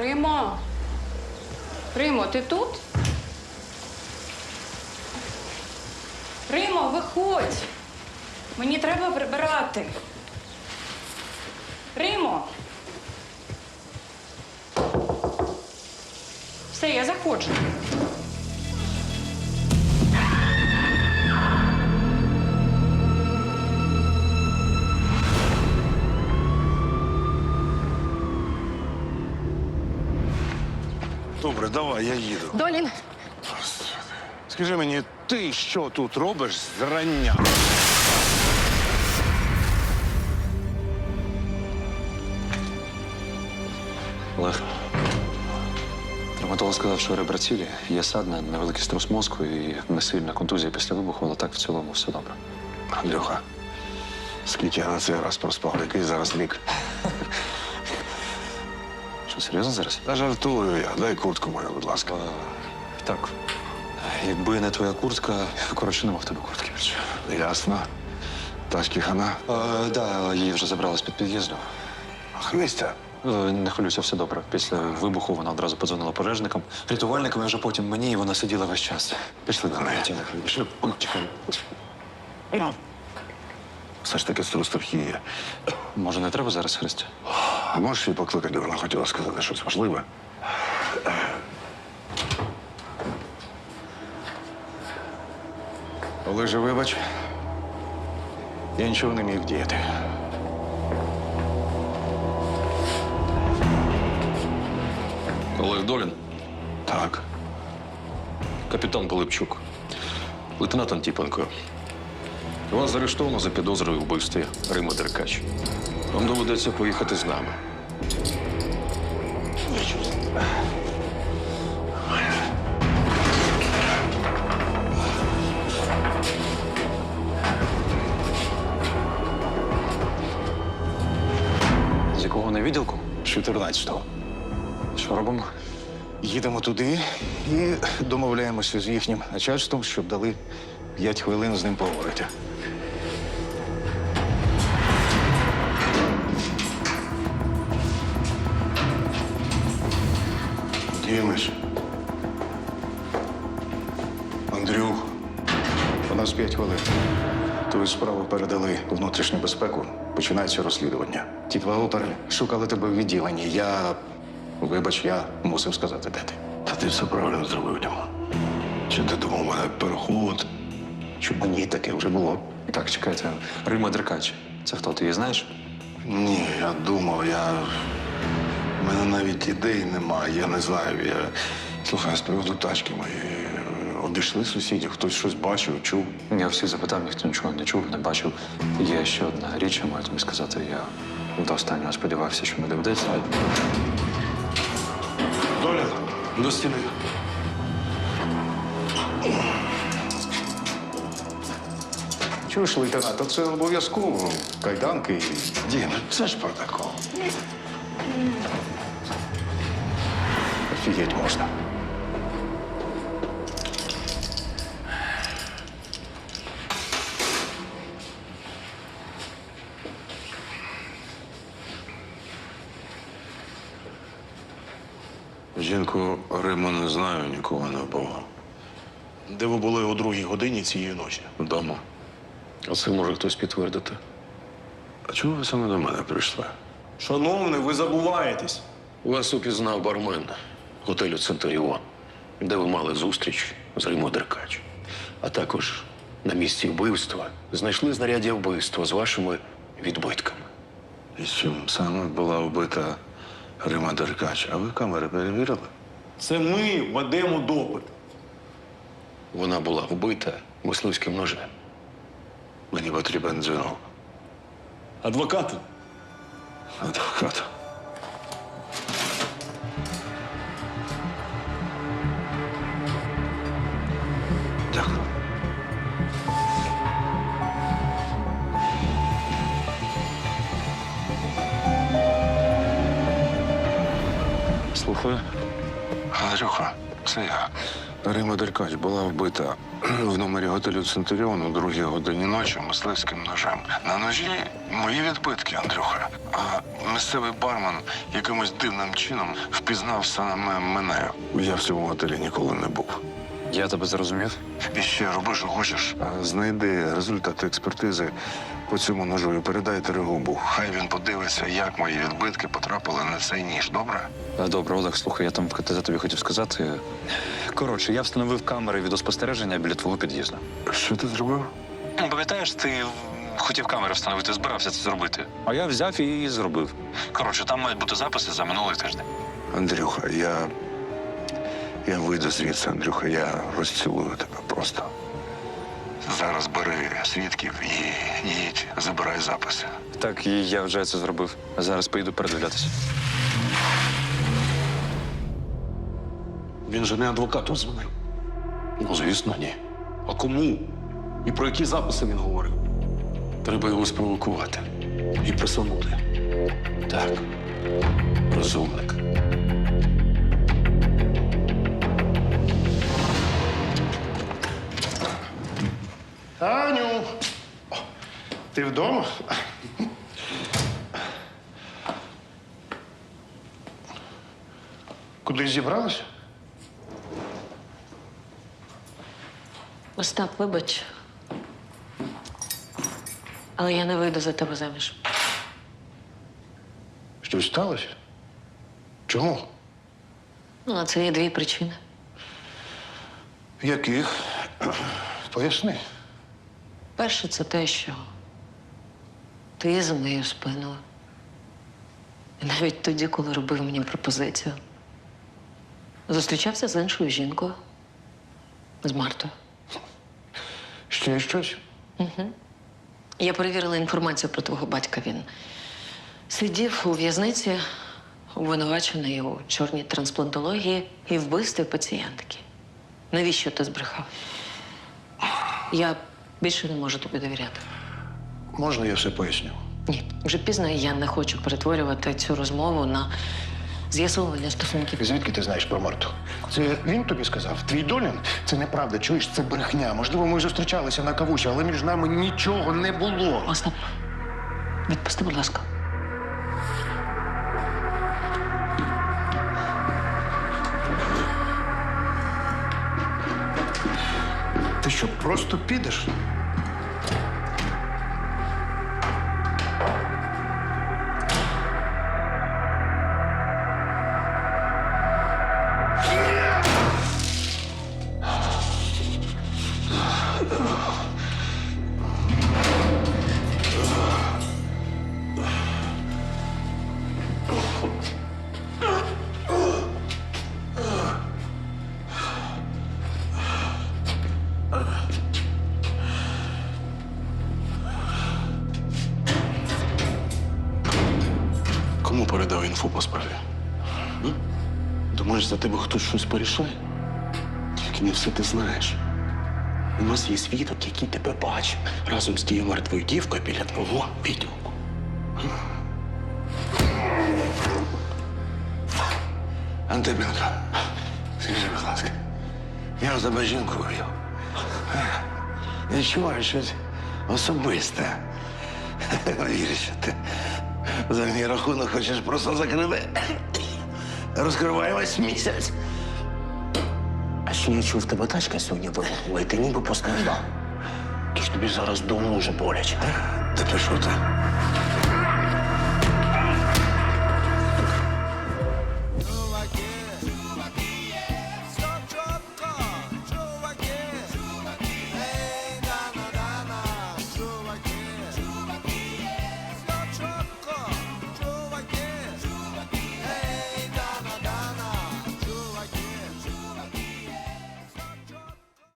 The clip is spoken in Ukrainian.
Римо! Римо, ти тут? Римо, виходь! Мені треба прибирати. Римо! Все, я заходжу. Добре, давай, я їду. Долін, Скажи мені, ти що тут робиш зрання? Олег, травматолог сказав, що ребра цілі, є садна, невеликий струс мозку і несильна контузія після вибуху, але так в цілому все добре. Андрюха, скільки я на цей раз проспав, який зараз вік? Що, серйозно зараз? Та жартую я, дай куртку мою, будь ласка. Так. Якби не твоя куртка, коротше, нема в тебе куртки більше. Ясно. Тачки хана. Да, її вже забрали з-під під'їзду. Христя. Не хвилюйся, все добре. Після вибуху вона одразу подзвонила пожежникам, рятувальникам, і вже потім мені, і вона сиділа весь час. Пішли до неї. Пішли. Чекай. Все ж таки струс трохи є. Може, не треба зараз, Христя? А можеш її покликати, вона хотіла сказати щось важливе. Олеже, вибач. Я нічого не міг вдіяти. Олег Долін, Так. капітан Пилипчук, лейтенант Антіпенко. Вас заарештовано за підозрою у вбивстві Рими Деркач. Вам доведеться поїхати з нами. З якого не відділку? 14-го. Що робимо? Їдемо туди і домовляємося з їхнім начальством, щоб дали 5 хвилин з ним поговорити. Дімиш. Андрюх, у нас 5 хвилин. Твою справу передали у внутрішню безпеку. Починається розслідування. Ті два опери шукали тебе в відділенні. Вибач, я мусив сказати, де ти. Та ти все правильно зробив, Діма. Чи ти думав мене переховувати? Щоб мені таке вже було? Так, чекайте. Рима Деркач. Це хто, ти її знаєш? Ні, я думав, У мене навіть ідей немає, я не знаю. Слухай, з приводу тачки мої обійшли сусідів, хтось щось бачив, чув. Я всіх запитав, ніхто нічого не чув, не бачив. Є ще одна річ, я маю тобі сказати. Я до останнього сподівався, що не доведеться. Доля, до стіни. Чуєш, лейтенант, то це обов'язково. Кайданки і... Дім, це ж протокол. Офігеть можна. Жінку Риму не знаю, нікого не було. Де ви були о 2-й годині цієї ночі? Вдома. А це може хтось підтвердити. А чому ви саме до мене прийшли? Шановний, ви забуваєтесь. Вас упізнав бармен готелю Центуріон, де ви мали зустріч з Римою Деркач. А також на місці вбивства знайшли знаряддя вбивства з вашими відбитками. І з чим саме була вбита Рима Деркач? А ви камери перевірили? Це ми ведемо допит. Вона була вбита мисливським ножем. Мені потрібен дзвінок. Адвокати. Адвокат. Дякую. Слухаю. Андрюха, це я. Рима Деркач була вбита в номері готелю Центуріон у 2-й годині ночі мисливським ножем. На ножі мої відбитки, Андрюха. А місцевий бармен якимось дивним чином впізнав саме мене. Я в цьому готелі ніколи не був. Я тебе зрозумів. І ще роби, що хочеш. Знайди результати експертизи по цьому ножу і передай Терегубу. Хай він подивиться, як мої відбитки потрапили на цей ніж, добре? Добре, Олег, слухай, я там в КТЗ тобі хотів сказати. Коротше, я встановив камери відеоспостереження біля твого під'їзду. Що ти зробив? Пам'ятаєш, ти хотів камери встановити, збирався це зробити. А я взяв і зробив. Коротше, там мають бути записи за минулий тиждень. Андрюха, я вийду звідси, Андрюха, я розцілую тебе просто. Зараз бери свідків і їдь, забирай записи. Так, і я вже це зробив. Зараз поїду передивлятися. Він же не адвокату дзвонив. Ну, звісно, ні. А кому? І про які записи він говорив? Треба його спровокувати. І присунути. Так, розумник. Таню! Ти вдома? Кудись зібралася? Остап, вибач. Але я не вийду за тебе заміж. Щось сталося? Чому? Ну, на це є дві причини. Яких? Поясни. Перше, це те, що ти за моєю спиною. І навіть тоді, коли робив мені пропозицію, зустрічався з іншою жінкою, з Мартою. Ще щось? Я перевірила інформацію про твого батька. Він сидів у в'язниці, обвинувачений у чорній трансплантології і вбивстві пацієнтки. Навіщо ти збрехав? Я більше не можу тобі довіряти. Можна я все поясню? Ні, вже пізно, і я не хочу перетворювати цю розмову на з'ясовування стосунків. Звідки ти знаєш про Марту? Це він тобі сказав? Твій Долін? Це неправда, чуєш, це брехня. Можливо, ми зустрічалися на кавусі, але між нами нічого не було. Остап, відпусти, будь ласка. Ти що, просто підеш? Кому передав інфу по справі? М? Думаєш, за тебе хтось щось порішає? Тільки не все ти знаєш. У нас є свідок, який тебе бачив разом з тією мертвою дівкою біля твого відділку. Антипенко, скажи, будь ласка, я у тебе жінку вбив. Відчуваю щось особисте. Вірю, що ти за мій рахунок хочеш просто закрити. Розкриваємось місяць. А ще я чув, в тебе тачка сьогодні вибухнула, і ти ніби постраждав. Тож тобі зараз вдома дуже боляче. Та пішов ти.